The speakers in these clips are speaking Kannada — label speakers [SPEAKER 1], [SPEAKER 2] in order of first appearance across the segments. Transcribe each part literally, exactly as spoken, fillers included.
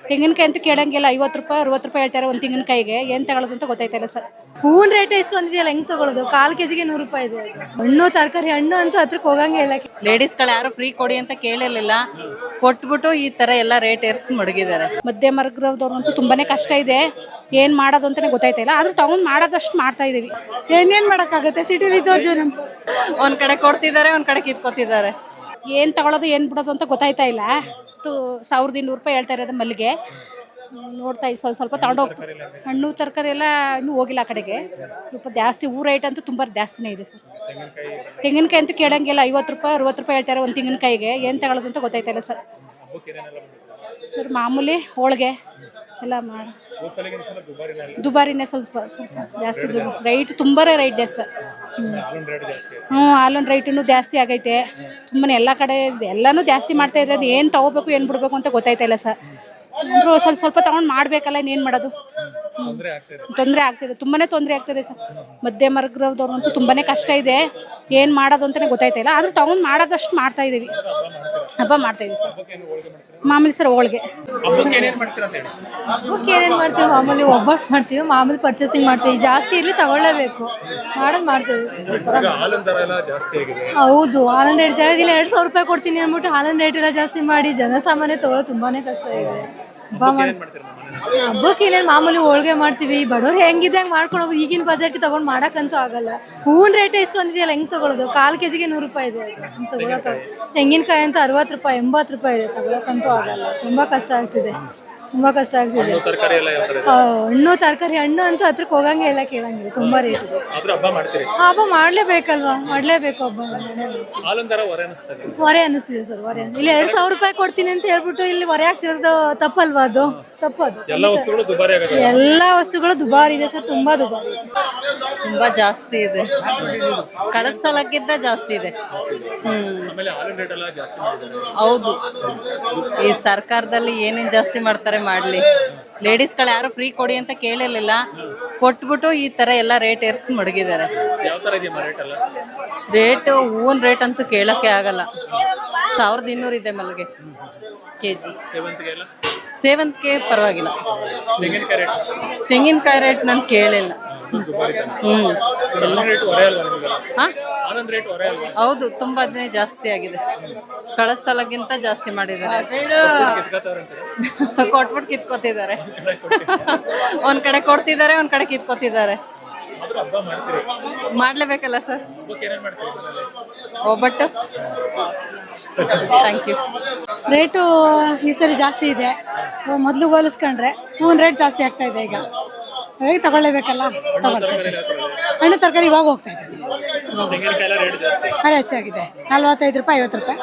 [SPEAKER 1] ತೆಂಗಿನಕಾಯಿ ಅಂತೂ ಕೇಳಂಗಿಲ್ಲ, ಐವತ್ತು ರೂಪಾಯಿ ಅರವತ್ತು ರೂಪಾಯಿ ಹೇಳ್ತಾರೆ ಒಂದು ತೆಂಗಿನಕಾಯಿಗೆ. ಏನು ತಗೊಳ್ಳೋದು ಅಂತ ಗೊತ್ತಾಯ್ತಿಲ್ಲ ಸರ್.
[SPEAKER 2] ಹೂವಿನ ರೇಟ್ ಎಷ್ಟು ಒಂದಿದೆಯಲ್ಲ, ಹೆಂಗ್ ತಗೊಳ್ಳೋದು? ಕಾಲು ಕೆಜಿಗೆ ನೂರು ರೂಪಾಯಿ ಇದೆ. ಹಣ್ಣು ತರಕಾರಿ ಹಣ್ಣು ಅಂತೂ ಹತ್ರಕ್ಕೆ ಹೋಗಂಗೆ ಇಲ್ಲ.
[SPEAKER 3] ಲೇಡೀಸ್ಗಳು ಯಾರು ಫ್ರೀ ಕೊಡಿ ಅಂತ ಕೇಳಿರ್ಲಿಲ್ಲ, ಕೊಟ್ಬಿಟ್ಟು ಈ ತರ ಎಲ್ಲ ರೇಟ್ ಏರ್ಸಿ ಮಡಗಿದ್ದಾರೆ.
[SPEAKER 1] ಮಧ್ಯಮ ವರ್ಗದವ್ರಂತೂ ತುಂಬಾನೇ ಕಷ್ಟ ಇದೆ, ಏನ್ ಮಾಡೋದು ಅಂತಾನೆ ಗೊತ್ತಾಯ್ತಿಲ್ಲ. ಆದ್ರೂ ತಗೊಂಡ್ ಮಾಡೋದಷ್ಟು ಮಾಡ್ತಾ ಇದೀವಿ.
[SPEAKER 2] ಏನೇನ್ ಮಾಡಕ್ಕಾಗತ್ತೆ, ಸಿಟಿಲಿ ಇದ್ದವ್ರ ಜನ
[SPEAKER 3] ಒಂದ್ ಕಡೆ ಕೊಡ್ತಿದ್ದಾರೆ, ಒಂದ್ ಕಡೆ ಕಿತ್ಕೋತಿದ್ದಾರೆ.
[SPEAKER 1] ಏನ್ ತಗೊಳ್ಳೋದು ಏನ್ ಬಿಡೋದು ಅಂತ ಗೊತ್ತಾಯ್ತಾ ಇಲ್ಲ. ಟು ಸಾವಿರದ ಇನ್ನೂರು ರೂಪಾಯಿ ಹೇಳ್ತಾ ಇರೋದು ಮಲ್ಲಿಗೆ. ನೋಡ್ತಾ ಇದ್ದು ಸ್ವಲ್ಪ ಸ್ವಲ್ಪ ತಗೊಂಡು ಹೋಗ್ತೀವಿ. ಹಣ್ಣು ತರಕಾರಿ ಎಲ್ಲ ಇನ್ನೂ ಹೋಗಿಲ್ಲ ಆ ಕಡೆಗೆ. ಸ್ವಲ್ಪ ಜಾಸ್ತಿ ಹೂ ರೇಟ್ ಅಂತೂ ತುಂಬ ಜಾಸ್ತಿನೇ ಇದೆ ಸರ್. ತೆಂಗಿನಕಾಯಿ ಅಂತೂ ಕೇಳಂಗಿಲ್ಲ, ಐವತ್ತು ರೂಪಾಯಿ ಅರವತ್ತು ರೂಪಾಯಿ ಹೇಳ್ತಾರೆ ಒಂದು ತೆಂಗಿನಕಾಯಿಗೆ. ಏನು ತಗೊಳ್ಳೋದು ಅಂತ ಗೊತ್ತಾಯ್ತಾ ಇಲ್ಲ ಸರ್. ಸರ್ ಮಾಮೂಲಿ ಹೋಳಿಗೆ ಎಲ್ಲ ಮಾಡಿ ದುಬಾರಿನೇ ಸ್ವಲ್ಪ ಸ್ವಲ್ಪ ಜಾಸ್ತಿ ದುಬಾರಿ ರೈಟ್, ತುಂಬ ರೈಟ್ ಜಾಸ್ತಿ ಸರ್. ಹ್ಞೂ ಹಾಲೊಂದು ರೈಟೂ ಜಾಸ್ತಿ ಆಗೈತೆ ತುಂಬಾ. ಎಲ್ಲ ಕಡೆ ಎಲ್ಲನೂ ಜಾಸ್ತಿ ಮಾಡ್ತಾ ಇರೋದು. ಏನು ತೊಗೋಬೇಕು ಏನು ಬಿಡಬೇಕು ಅಂತ ಗೊತ್ತಾಯ್ತಾ ಇಲ್ಲ ಸರ್. ಅಂದರೂ ಸ್ವಲ್ಪ ಸ್ವಲ್ಪ ತೊಗೊಂಡು ಮಾಡಬೇಕಲ್ಲ, ಇನ್ನೇನು ಮಾಡೋದು. ತೊಂದರೆ ಆಗ್ತಿದೆ, ತುಂಬಾ ತೊಂದರೆ ಆಗ್ತಿದೆ ಸರ್. ಮಧ್ಯಮ ವರ್ಗದವ್ರಂತೂ ತುಂಬಾ ಕಷ್ಟ ಇದೆ, ಏನು ಮಾಡೋದು ಅಂತಲೇ ಗೊತ್ತಾಯ್ತಾ ಇಲ್ಲ. ಆದರೂ ತೊಗೊಂಡು ಮಾಡೋದಷ್ಟು ಮಾಡ್ತಾ ಇದ್ದೀವಿ. ಹಬ್ಬ ಮಾಡ್ತಾ ಇದೀವಿ ಸರ್. ಮಾಮೂಲಿ ಸರ್ ಹೋಳಿಗೆ.
[SPEAKER 2] ಹಬ್ಬಕ್ಕೆ ಏನೇನು ಮಾಡ್ತೀವಿ? ಮಾಮೂಲಿ ಒಬ್ಬಟ್ಟು ಮಾಡ್ತೀವಿ, ಮಾಮೂಲಿ ಪರ್ಚೇಸಿಂಗ್ ಮಾಡ್ತೀವಿ. ಜಾಸ್ತಿ ಇರಲಿ ತಗೊಳ್ಳೇಬೇಕು, ಮಾಡೋದು ಮಾಡ್ತೀವಿ. ಹೌದು, ಹಾಲಿನ ರೇಟ್ ಜಾಸ್ತಿ ಇಲ್ಲ. ಎರಡು ಸಾವಿರ ರೂಪಾಯಿ ಕೊಡ್ತೀನಿ ಅಂದ್ಬಿಟ್ಟು ಹಾಲಿನ ರೇಟ್ ಎಲ್ಲ ಜಾಸ್ತಿ ಮಾಡಿ ಜನಸಾಮಾನ್ಯ ತಗೊಳ್ಳೋದು ತುಂಬಾನೇ ಕಷ್ಟ ಇದೆ. ಹಬ್ಬ ಮಾಡಿ ಹಬ್ಬಕ್ಕೆ ಏನೇನು ಮಾಮೂಲಿ ಹೋಳಿಗೆ ಮಾಡ್ತೀವಿ. ಬಡವ್ರು ಹೆಂಗಿದೆ ಹಂಗೆ ಮಾಡ್ಕೊಂಡು ಹೋಗ್ಬೋದು. ಈಗಿನ ಬಜೆಟ್ಗೆ ತೊಗೊಂಡು ಮಾಡೋಕ್ಕಂತೂ ಆಗಲ್ಲ. ಹೂವಿನ ರೇಟ್ ಎಷ್ಟು ಒಂದಿದೆಯಲ್ಲ, ಹೆಂಗೆ ತೊಗೊಳ್ಳೋದು? ಕಾಲು ಕೆಜಿಗೆ ನೂರು ರೂಪಾಯಿ ಇದೆ. ತಗೊಳಕ್ಕೆ ತೆಂಗಿನಕಾಯಿ ಅಂತೂ ಅರವತ್ತು ರೂಪಾಯಿ ಎಂಬತ್ತು ರೂಪಾಯಿ ಇದೆ. ತಗೊಳಕ್ಕಂತೂ ಆಗಲ್ಲ, ತುಂಬ ಕಷ್ಟ ಆಗ್ತಿದೆ, ತುಂಬ ಕಷ್ಟ ಆಗ್ತಿದೆ. ಹಣ್ಣು ತರಕಾರಿ ಹಣ್ಣು ಅಂತೂ ಹತ್ರಕ್ಕೆ ಹೋಗಂಗೆ ಇಲ್ಲ, ಕೇಳಂಗಿಲ್ಲ, ತುಂಬ ರೇಟ್ ಇದೆ. ಹಬ್ಬ ಮಾಡಲೇಬೇಕಲ್ವಾ, ಮಾಡಲೇಬೇಕು ಹಬ್ಬ. ಹೊರೆ ಅನ್ನಿಸ್ತಿದೆ ಸರ್, ಹೊರೆ. ಇಲ್ಲಿ ಎರಡು ಸಾವಿರ ರೂಪಾಯಿ ಕೊಡ್ತೀನಿ ಅಂತ ಹೇಳ್ಬಿಟ್ಟು ಇಲ್ಲಿ ಹೊರೆ ಆಗ್ತಿರೋದು ತಪ್ಪಲ್ವಾ? ಅದು ತಪ್ಪದು. ಎಲ್ಲ ವಸ್ತುಗಳು ದುಬಾರಿ ಇದೆ ಸರ್, ತುಂಬಾ ದುಬಾರಿ ಇದೆ,
[SPEAKER 3] ತುಂಬಾ ಜಾಸ್ತಿ ಇದೆ. ಕಳೆದ ಸಲಕ್ಕಿಂತ ಜಾಸ್ತಿ ಇದೆ. ಹ್ಮ್ ಹೌದು, ಈ ಸರ್ಕಾರದಲ್ಲಿ ಏನೇನ್ ಜಾಸ್ತಿ ಮಾಡ್ತಾರೆ ಮಾಡ್ಲಿ. ಲೇಡೀಸ್ಗಳು ಯಾರು ಫ್ರೀ ಕೊಡಿ ಅಂತ ಕೇಳಿರ್ಲಿಲ್ಲ, ಕೊಟ್ಬಿಟ್ಟು ಈ ತರ ಎಲ್ಲ ರೇಟ್ ಏರ್ಸಿ ಮಡಗಿದ್ದಾರೆ. ರೇಟ್ ಹೂವಿನ ರೇಟ್ ಅಂತೂ ಕೇಳಕ್ಕೆ ಆಗಲ್ಲ. ಸಾವಿರದ ಇನ್ನೂರು ಇದೆ ಮಲ್ಲಿಗೆ ಕೆಜಿ. ಸೇವಂತಿಗೆ ಪರವಾಗಿಲ್ಲ. ತೆಂಗಿನಕಾಯಿ ರೇಟ್ ನಾನು ಕೇಳಿಲ್ಲ. ಹ್ಮ್ ಹೌದು, ತುಂಬಾನೇ ಜಾಸ್ತಿ ಆಗಿದೆ. ಕಳೆದ ಸಲಕ್ಕಿಂತ ಜಾಸ್ತಿ ಮಾಡಿದ್ದಾರೆ. ಕೊಟ್ಬಿಟ್ಟು ಕಿತ್ಕೋತಿದ್ದಾರೆ. ಒಂದ್ ಕಡೆ ಕೊಡ್ತಿದ್ದಾರೆ, ಒಂದ್ ಕಡೆ ಕಿತ್ಕೋತಿದ್ದಾರೆ. ಮಾಡ್ಲೇಬೇಕಲ್ಲ ಸರ್. ಒಬ್ಬಟ್ಟು. Thank you.
[SPEAKER 2] ರೇಟು ಈ ಸರಿ ಜಾಸ್ತಿ ಇದೆ, ಮೊದಲು ಹೋಲಿಸ್ಕೊಂಡ್ರೆ. ಹೂವಿನ ರೇಟ್ ಜಾಸ್ತಿ ಆಗ್ತಾ ಇದೆ ಈಗ, ಹಾಗಾಗಿ ತಗೊಳ್ಳೇಬೇಕಲ್ಲ, ತಗೊಳ್ತಾ. ಹಣ್ಣು ತರಕಾರಿ ಇವಾಗ ಹೋಗ್ತಾ ಇದೆ, ಅದೇ ಹೆಚ್ಚಾಗಿದೆ. ನಲ್ವತ್ತೈದು ರೂಪಾಯಿ ಐವತ್ತು ರೂಪಾಯಿ.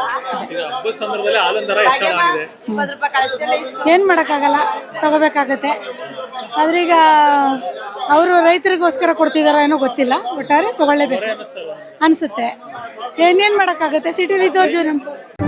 [SPEAKER 2] ಏನು ಮಾಡೋಕ್ಕಾಗಲ್ಲ, ತಗೋಬೇಕಾಗತ್ತೆ. ಆದ್ರೀಗ ಅವರು ರೈತರಿಗೋಸ್ಕರ ಕೊಡ್ತಿದಾರೋ ಏನೋ ಗೊತ್ತಿಲ್ಲ, ಒಟ್ಟಾರೆ ತಗೊಳ್ಳೇಬೇಕು ಅನಿಸುತ್ತೆ. ಏನೇನು ಮಾಡೋಕ್ಕಾಗತ್ತೆ, ಸಿಟಿಲಿ ಇದ್ದವ್ರ ಜನ